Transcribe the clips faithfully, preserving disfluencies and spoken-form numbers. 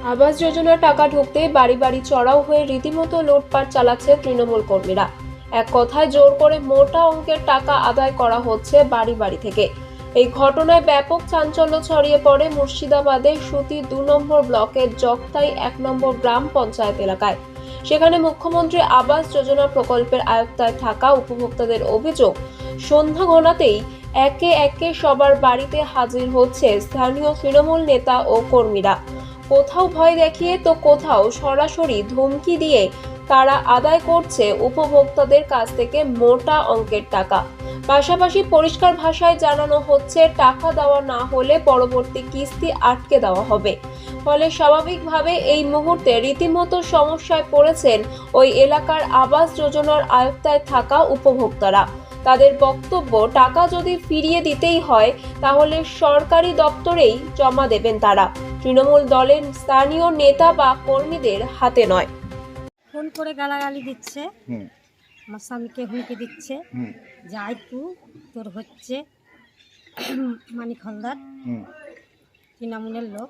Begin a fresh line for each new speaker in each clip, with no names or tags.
আবাস যোজনার টাকা ঢুকতে বাড়ি বাড়ি চড়াও হয়ে রীতিমতো লুটপাট চালাচ্ছে তৃণমূল কর্মীরা। এক কথায় জোর করে মোটা অঙ্কের টাকা আদায় করা হচ্ছে বাড়ি বাড়ি থেকে। এই ঘটনায় ব্যাপক চাঞ্চল্য ছড়িয়ে পড়ে মুর্শিদাবাদের সুতি দু নম্বর ব্লকের জগতাই এক নম্বর গ্রাম পঞ্চায়েত এলাকায়। সেখানে মুখ্যমন্ত্রী আবাস যোজনা প্রকল্পের আয়ত্তায় থাকা উপভোক্তাদের অভিযোগ, সন্ধ্যা ঘনাতেই একে একে সবার বাড়িতে হাজির হচ্ছে স্থানীয় তৃণমূল নেতা ও কর্মীরা। কোথাও ভয় দেখিয়ে তো কোথাও সরাসরি ধমকি দিয়ে তারা আদায় করছে উপভোক্তাদের কাছ থেকে মোটা অঙ্কের টাকা। পাশাপাশি পরিষ্কার ভাষায় জানানো হচ্ছে টাকা দেওয়া না হলে পরবর্তী কিস্তি আটকে দেওয়া হবে। ফলে স্বাভাবিকভাবে এই মুহূর্তে রীতিমতো সমস্যায় পড়েছেন ওই এলাকার আবাস যোজনার আয়ত্তায় থাকা উপভোক্তারা। তাদের বক্তব্য, টাকা যদি ফিরিয়ে দিতেই হয় তাহলে সরকারি দপ্তরেই জমা দেবেন তারা, তৃণমূল দলের স্থানীয় নেতা বা কর্মীদের হাতে নয়।
ফোন করে গালাগালি দিচ্ছে, আমার স্বামীকে হুমকি দিচ্ছে, যাই তু তোর হচ্ছে মানিক হালদার তৃণমূলের লোক।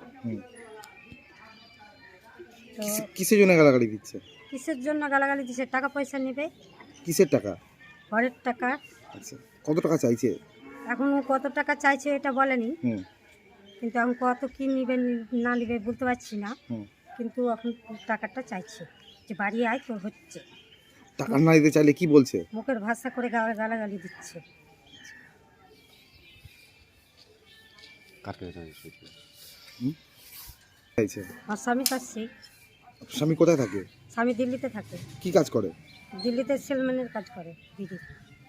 তো
কিসের জন্য গালাগালি দিচ্ছে?
কিসের জন্য গালাগালি দিচ্ছে? টাকা পয়সা নেবে।
কিসের টাকা?
ঘরের টাকা।
আচ্ছা, কত টাকা চাইছে?
এখন কত টাকা চাইছে এটা বলেনি,
হুম
কিন্তু এখন কত কি নিবে না নিবে বলতে পারছি না,
হুম
কিন্তু এখন টাকাটা চাইছে যে বাড়ি আয় তোর হচ্ছে।
টাকা না দিতে চাইলে কি বলছে?
মুখের ভাষা করে গা- গালাগালি দিচ্ছে।
হুম? চাইছে।
আমার স্বামী কাছে।
স্বামী কোথায় থাকে?
স্বামী দিল্লিতে থাকে।
কি কাজ করে?
দিল্লিতে সেলম্যানের কাজ করে দিদি।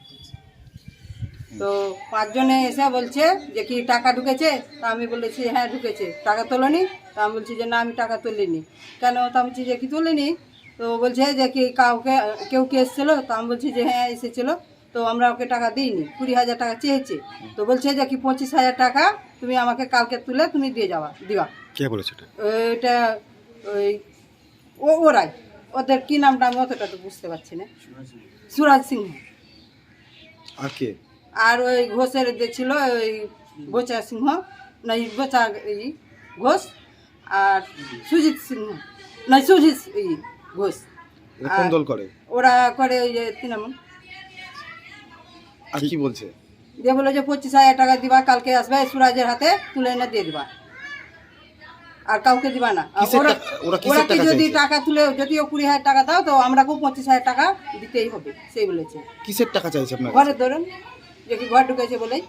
তো পাঁচজনে এসে বলছে যে কি টাকা ঢুকেছে, তা আমি বলেছি হ্যাঁ ঢুকেছে। টাকা তোলেনি? তা আমি বলছি যে না আমি টাকা তুলিনি। কেন? তা আমি বলছি যে কি তুলিনি। তো বলছে যে কি কাউকে কেউ কে এসেছিলো? তা আমি বলছি যে হ্যাঁ এসেছিলো। তো আমরা ওকে টাকা দিইনি, কুড়ি হাজার টাকা চেয়েছে। তো বলছে যে কি পঁচিশ হাজার টাকা তুমি আমাকে কালকে তুলে তুমি দিয়ে যাওয়া দিবা।
কে বলেছে এটা?
ওইটা ওই ও ওরাই, ওদের কি নামটা আমি অতটা তো বুঝতে পারছি না। সুরাজ সিংহ।
আর কে?
আর ওই ঘোষের যে ছিল ওই বোচা সিংহ, না বোচা এই ঘোষ, আর সুজিত সিংহ, না সুজিত এই ঘোষ।
এরা কোন দল করে?
ওরা করে ওই যে তৃণমূল।
আর কি বলছে?
দিয়ে বলে যে পঁচিশ হাজার টাকা দিবা, কালকে আসবে সুরাজের হাতে তুলে এনে দিয়ে দিবা, আর কাউকে দিবা না। আর
কিসের
ওরা
টাকা- ওরা
ওরা
কিসের
কি
টাকা
যদি
চাইছে?
টাকা তুলে যদিও কুড়ি হাজার টাকা দাও তো আমরাকেও পঁচিশ হাজার টাকা দিতেই হবে, সেই বলেছে।
কিসের টাকা চাইছে আপনার?
ঘরে ধরুন যে কি ঘর ঢুকেছে বলেই।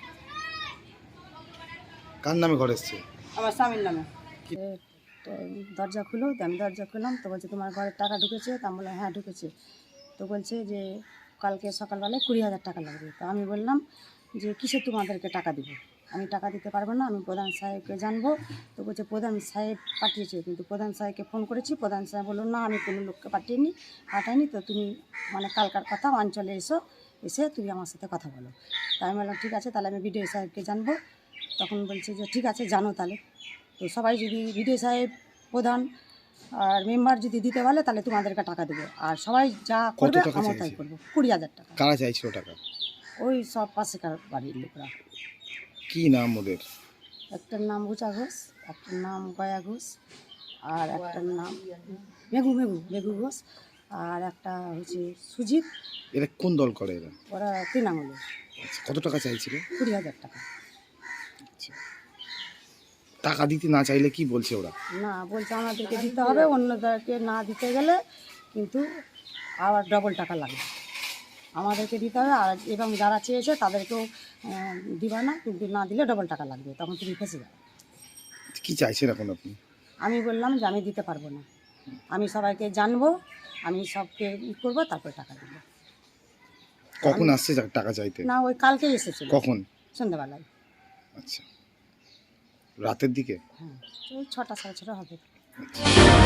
কার নামে ঘর এসছে?
আমার স্বামীর নামে।
তো দরজা খুলো, তো আমি দরজা খুললাম, তো বলছে তোমার ঘরে টাকা ঢুকেছে? তো আমি বললাম হ্যাঁ ঢুকেছে। তো বলছে যে কালকে সকালবেলায় কুড়ি হাজার টাকা লাগবে। তো আমি বললাম যে কিসে তোমাদেরকে টাকা দিব, আমি টাকা দিতে পারবো না, আমি প্রধান সাহেবকে জানবো। তো বলছে প্রধান সাহেব পাঠিয়েছে, কিন্তু প্রধান সাহেবকে ফোন করেছি, প্রধান সাহেব বললো না আমি কোনো লোককে পাঠিয়েনি পাঠাইনি তো তুমি মানে কালকার কথা অঞ্চলে এসো, এসে তুমি আমার সাথে কথা বলো। তাই আমি বললাম ঠিক আছে, তাহলে আমি বিডিও সাহেবকে জানবো। তখন বলছে যে ঠিক আছে জানো তাহলে। তো সবাই যদি বিডিও সাহেব, প্রধান আর মেম্বার যদি দিতে বলে তাহলে তোমাদেরকে টাকা দেবো, আর সবাই যা করবে
টাকা
আমার তাই
চাইছে?
করবো। কুড়ি হাজার টাকা।
কারা চাইছিল টাকা?
ওই সব পাশেকার বাড়ির লোকরা।
কি নাম ওদের?
একটার নাম গুচা ঘোষ, একটার নাম গয়া ঘোষ, আর একটার নাম মেঘু মেঘু মেঘু ঘোষ, আর একটা হচ্ছে সুজিত।
এরা কোন দল করে এরা?
ওরা তৃণমূলে।
আচ্ছা, কত টাকা চাইছিল?
কুড়ি হাজার টাকা।
টাকা দিতে না চাইলে কি বলছে ওরা?
না বলছে আমাদেরকে দিতে হবে, অন্যদেরকে না দিতে গেলে কিন্তু আবার ডবল টাকা লাগবে, আমাদেরকে দিতে হবে। আর এবং যারা চেয়েছে তাদেরকেও আহ, দিবা না, কিন্তু না দিলে ডবল টাকা লাগবে, তখন তুমি ফেসে যাবে।
কি চাইছেন এখন আপনি?
আমি বললাম যে আমি দিতে পারবো না, আমি সবাইকে জানবো, আমি সবকে ই করবো, তারপরে টাকা দেবো।
কখন আসছে যা- টাকা চাইতে?
না ওই কালকেই এসেছিল,
কখন?
সন্ধ্যাবেলায়।
আচ্ছা, রাতের দিকে?
হ্যাঁ ওই ছটা সাড়ে ছটা হবে।
আচ্ছা।